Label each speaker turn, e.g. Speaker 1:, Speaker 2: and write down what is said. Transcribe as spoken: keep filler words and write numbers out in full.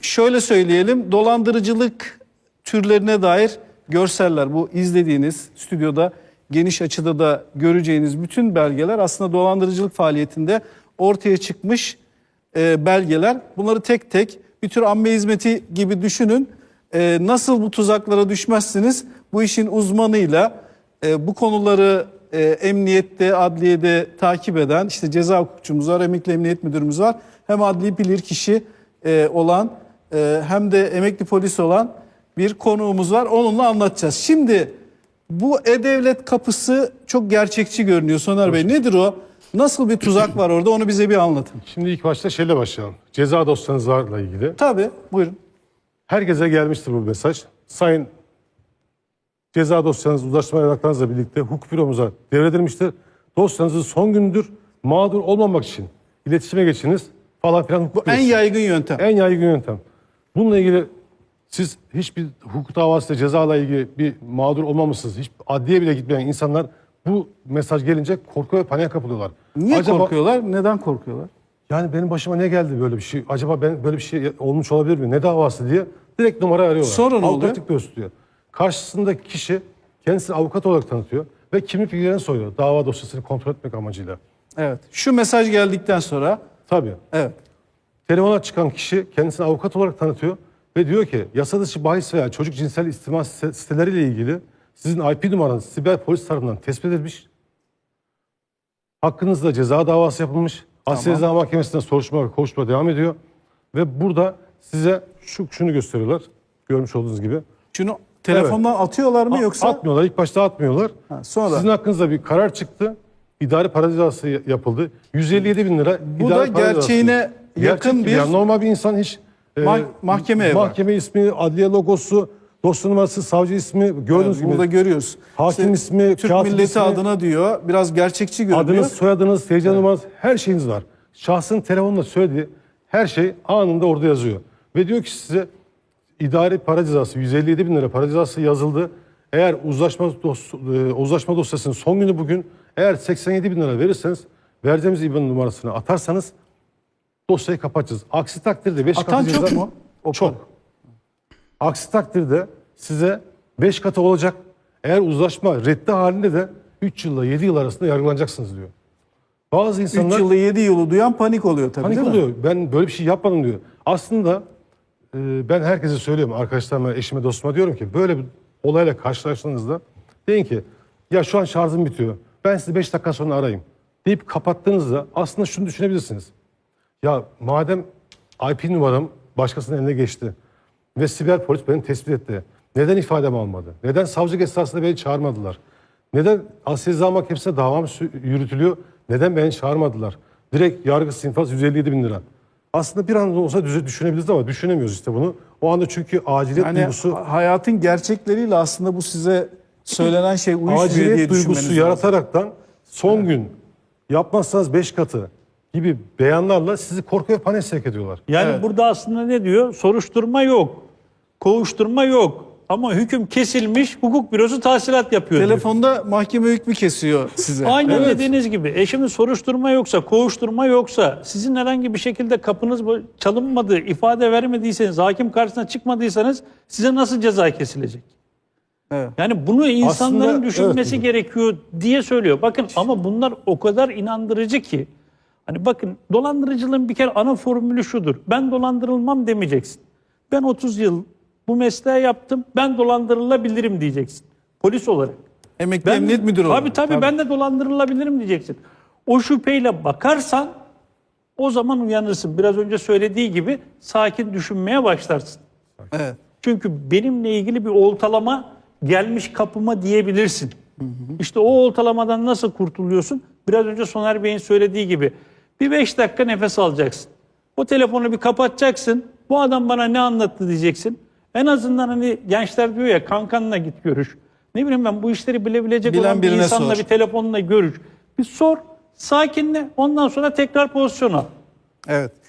Speaker 1: şöyle söyleyelim, dolandırıcılık türlerine dair görseller, bu izlediğiniz stüdyoda geniş açıda da göreceğiniz bütün belgeler aslında dolandırıcılık faaliyetinde ortaya çıkmış e, belgeler. Bunları tek tek bir tür amme hizmeti gibi düşünün. E, nasıl bu tuzaklara düşmezsiniz? Bu işin uzmanıyla e, bu konuları e, emniyette, adliyede takip eden işte ceza hukukçumuz var, emekli emniyet müdürümüz var. Hem adli bilirkişi e, olan e, hem de emekli polis olan bir konuğumuz var. Onunla anlatacağız. Şimdi bu E-Devlet kapısı çok gerçekçi görünüyor Soner Bey. Nedir o? Nasıl bir tuzak var orada? Onu bize bir anlatın.
Speaker 2: Şimdi ilk başta şeyle başlayalım. Ceza dosyanızla ilgili.
Speaker 1: Tabii, buyurun.
Speaker 2: Herkese gelmiştir bu mesaj. Sayın ceza dosyanız uzlaşma evraklarınızla birlikte hukuk büromuza devredilmiştir. Dosyanızın son gündür, mağdur olmamak için iletişime geçiniz falan filan.
Speaker 1: Bu en yaygın yöntem.
Speaker 2: En yaygın yöntem. Bununla ilgili siz hiçbir hukuk davasıyla cezayla ilgili bir mağdur olmamışsınız. Hiç adliye bile gitmeyen insanlar bu mesaj gelince korku ve paniğe kapılıyorlar.
Speaker 1: Niye
Speaker 2: Acaba,
Speaker 1: korkuyorlar? Neden korkuyorlar?
Speaker 2: yani benim başıma ne geldi böyle bir şey? Acaba ben böyle bir şey olmuş olabilir mi? Ne davası diye direkt numara arıyorlar.
Speaker 1: Sonra ne oluyor?
Speaker 2: Avukatlık gösteriyor. Karşısındaki kişi kendisini avukat olarak tanıtıyor ve kimlik bilgilerini soruyor. Dava dosyasını kontrol etmek amacıyla.
Speaker 1: Evet. Şu mesaj geldikten sonra.
Speaker 2: Tabii.
Speaker 1: Evet.
Speaker 2: Telefona çıkan kişi kendisini avukat olarak tanıtıyor ve diyor ki yasa dışı bahis veya çocuk cinsel istismar siteleriyle ilgili sizin I P numaranız siber polis tarafından tespit edilmiş. Hakkınızda ceza davası yapılmış. Asya
Speaker 1: Tamam.
Speaker 2: Ceza Mahkemesi'nde soruşturma ve kovuşturma devam ediyor. Ve burada size şu şunu gösteriyorlar. Görmüş olduğunuz gibi.
Speaker 1: Şunu telefondan evet. atıyorlar mı yoksa?
Speaker 2: Atmıyorlar. İlk başta atmıyorlar.
Speaker 1: Ha, sonra.
Speaker 2: Sizin hakkınızda bir karar çıktı. İdari para cezası yapıldı. yüz elli yedi bin lira
Speaker 1: Bu
Speaker 2: idari
Speaker 1: da gerçeğine yakın
Speaker 2: Gerçek
Speaker 1: bir
Speaker 2: yani normal bir insan hiç
Speaker 1: mah mahkemeye
Speaker 2: mahkeme var. ismi, adliye logosu, dosya numarası, savcı ismi gördüğünüz
Speaker 1: evet, burada
Speaker 2: gibi.
Speaker 1: görüyoruz.
Speaker 2: Hakim
Speaker 1: işte,
Speaker 2: ismi,
Speaker 1: Türk
Speaker 2: katip
Speaker 1: milleti
Speaker 2: ismi,
Speaker 1: adına diyor. Biraz gerçekçi görünüyor.
Speaker 2: adınız, soyadınız, T C evet. numaranız, her şeyiniz var. Şahsın telefonla söylediği her şey anında orada yazıyor. Ve diyor ki size idari para cezası, yüz elli yedi bin lira para cezası yazıldı. Eğer uzlaşma, dos uzlaşma dosyasının son günü bugün, eğer seksen yedi bin lira verirseniz, vereceğimiz İ B A N numarasını atarsanız dosyayı kapatacağız. Aksi takdirde beş
Speaker 1: Atan
Speaker 2: katı
Speaker 1: çok
Speaker 2: ceza,
Speaker 1: mu? O
Speaker 2: çok.
Speaker 1: para.
Speaker 2: Aksi takdirde size beş katı olacak. Eğer uzlaşma reddi halinde de üç yılla yedi yıl arasında yargılanacaksınız diyor. Bazı insanlar
Speaker 1: üç yılı yedi yılı duyan panik oluyor tabii.
Speaker 2: panik
Speaker 1: değil
Speaker 2: oluyor.
Speaker 1: Mi?
Speaker 2: Ben böyle bir şey yapmadım diyor. Aslında e, ben herkese söylüyorum, arkadaşlarıma, eşime, dostuma diyorum ki böyle bir olayla karşılaştığınızda deyin ki ya şu an şarjım bitiyor. Ben sizi beş dakika sonra arayayım deyip kapattığınızda aslında şunu düşünebilirsiniz. Ya madem I P numaram başkasının eline geçti ve siber polis beni tespit etti. Neden ifademi almadı? Neden savcılık esnasında beni çağırmadılar? Neden Asya Ceza Mahkemesi'ne davam yürütülüyor? Neden beni çağırmadılar? Direkt yargı infaz yüz elli yedi bin lira. Aslında bir anda olsa düşünebiliriz ama düşünemiyoruz işte bunu. O anda çünkü aciliyet
Speaker 1: yani
Speaker 2: duygusu...
Speaker 1: hayatın gerçekleriyle aslında bu size söylenen şey uyuşmuyor diye
Speaker 2: aciliyet
Speaker 1: düşünmeniz
Speaker 2: duygusu
Speaker 1: lazım.
Speaker 2: yarataraktan son evet. gün yapmazsanız beş katı gibi beyanlarla sizi korku ve paniğe sevk ediyorlar.
Speaker 3: Yani
Speaker 1: evet.
Speaker 3: burada aslında ne diyor? Soruşturma yok, kovuşturma yok ama hüküm kesilmiş, hukuk bürosu tahsilat yapıyor.
Speaker 1: Telefonda
Speaker 3: diyor.
Speaker 1: mahkeme hükmü kesiyor size.
Speaker 3: Aynen
Speaker 1: evet.
Speaker 3: dediğiniz gibi. E şimdi soruşturma yoksa, kovuşturma yoksa, sizin herhangi bir şekilde kapınız çalınmadı, ifade vermediyseniz, hakim karşısına çıkmadıysanız size nasıl ceza kesilecek?
Speaker 1: Evet.
Speaker 3: Yani bunu insanların
Speaker 2: Aslında,
Speaker 3: düşünmesi
Speaker 2: evet.
Speaker 3: gerekiyor diye söylüyor. Bakın ama bunlar o kadar inandırıcı ki. Hani bakın dolandırıcılığın bir kere ana formülü şudur. Ben dolandırılmam demeyeceksin. Ben otuz yıl bu mesleği yaptım. Ben dolandırılabilirim diyeceksin. Polis olarak.
Speaker 1: Emekli
Speaker 3: Ben,
Speaker 1: emniyet müdürü olarak.
Speaker 3: Tabii, tabii tabii ben de dolandırılabilirim diyeceksin. O şüpheyle bakarsan o zaman uyanırsın. Biraz önce söylediği gibi sakin düşünmeye başlarsın.
Speaker 1: Evet.
Speaker 3: Çünkü benimle ilgili bir oltalama gelmiş kapıma diyebilirsin. Hı hı. İşte o oltalamadan nasıl kurtuluyorsun? Biraz önce Soner Bey'in söylediği gibi bir beş dakika nefes alacaksın. O telefonu bir kapatacaksın. Bu adam bana ne anlattı diyeceksin. En azından hani gençler diyor ya kankanla git görüş. Ne bileyim ben bu işleri bilebilecek
Speaker 1: Bilen
Speaker 3: olan bir
Speaker 1: birine
Speaker 3: insanla
Speaker 1: sor.
Speaker 3: bir telefonla görüş. Bir sor, sakinle ondan sonra tekrar pozisyon al.
Speaker 1: Evet.